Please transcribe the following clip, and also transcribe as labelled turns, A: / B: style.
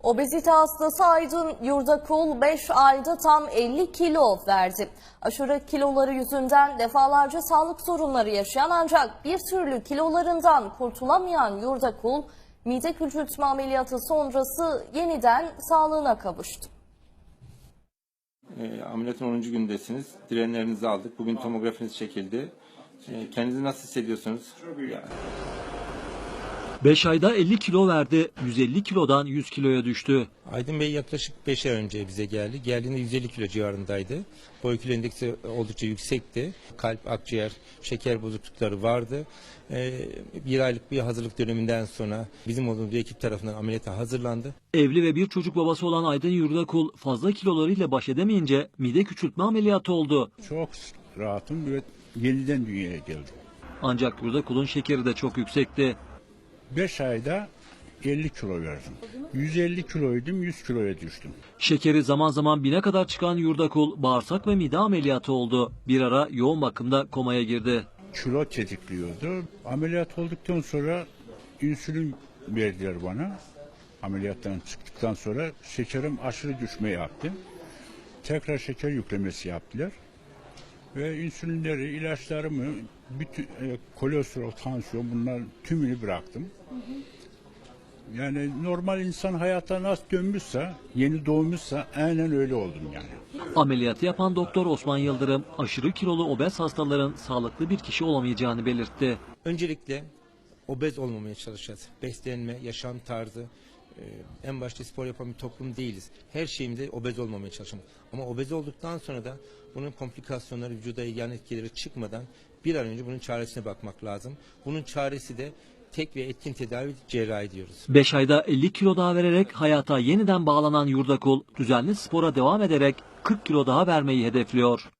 A: Obezite hastası Aydın Yurdakul 5 ayda tam 50 kilo verdi. Aşırı kiloları yüzünden defalarca sağlık sorunları yaşayan ancak bir türlü kilolarından kurtulamayan Yurdakul, mide küçültme ameliyatı sonrası yeniden sağlığına kavuştu.
B: Ameliyatın 10. gündesiniz. Direnlerinizi aldık. Bugün tomografiniz çekildi. Kendinizi nasıl hissediyorsunuz?
C: 5 ayda 50 kilo verdi, 150 kilodan 100 kiloya düştü.
D: Aydın Bey yaklaşık 5 ay önce bize geldi. Geldiğinde 150 kilo civarındaydı. Boy kilo endeksi oldukça yüksekti. Kalp, akciğer, şeker bozuklukları vardı. Bir aylık bir hazırlık döneminden sonra bizim olduğumuz bir ekip tarafından ameliyata hazırlandı.
C: Evli ve bir çocuk babası olan Aydın Yurdakul fazla kilolarıyla baş edemeyince mide küçültme ameliyatı oldu.
E: Çok rahatım ve yeniden dünyaya geldim.
C: Ancak Yurdakul'un şekeri de çok yüksekti.
E: 5 ayda 50 kilo verdim. 150 kiloydum, 100 kiloya düştüm.
C: Şekeri zaman zaman 1000'e kadar çıkan Yurdakul bağırsak ve mide ameliyatı oldu. Bir ara yoğun bakımda komaya girdi.
E: Kilo tetikliyordu. Ameliyat olduktan sonra insülin verdiler bana. Ameliyattan çıktıktan sonra şekerim aşırı düşme yaptı. Tekrar şeker yüklemesi yaptılar. Ve insülinleri, ilaçlarımı, bütün kolesterol, tansiyon bunlar tümünü bıraktım. Yani normal insan hayata nasıl dönmüşse, yeni doğmuşsa aynen öyle oldum yani.
C: Ameliyatı yapan doktor Osman Yıldırım aşırı kilolu obez hastaların sağlıklı bir kişi olamayacağını belirtti.
D: Öncelikle obez olmamaya çalışacağız. Beslenme, yaşam tarzı, en başta spor yapan bir toplum değiliz. Her şeyimizde obez olmamaya çalışalım. Ama obez olduktan sonra da bunun komplikasyonları, vücuda yan etkileri çıkmadan bir an önce bunun çaresine bakmak lazım. Bunun çaresi de tek ve etkin tedavi, cerrahi diyoruz.
C: 5 ayda 50 kilo daha vererek hayata yeniden bağlanan Yurdakul düzenli spora devam ederek 40 kilo daha vermeyi hedefliyor.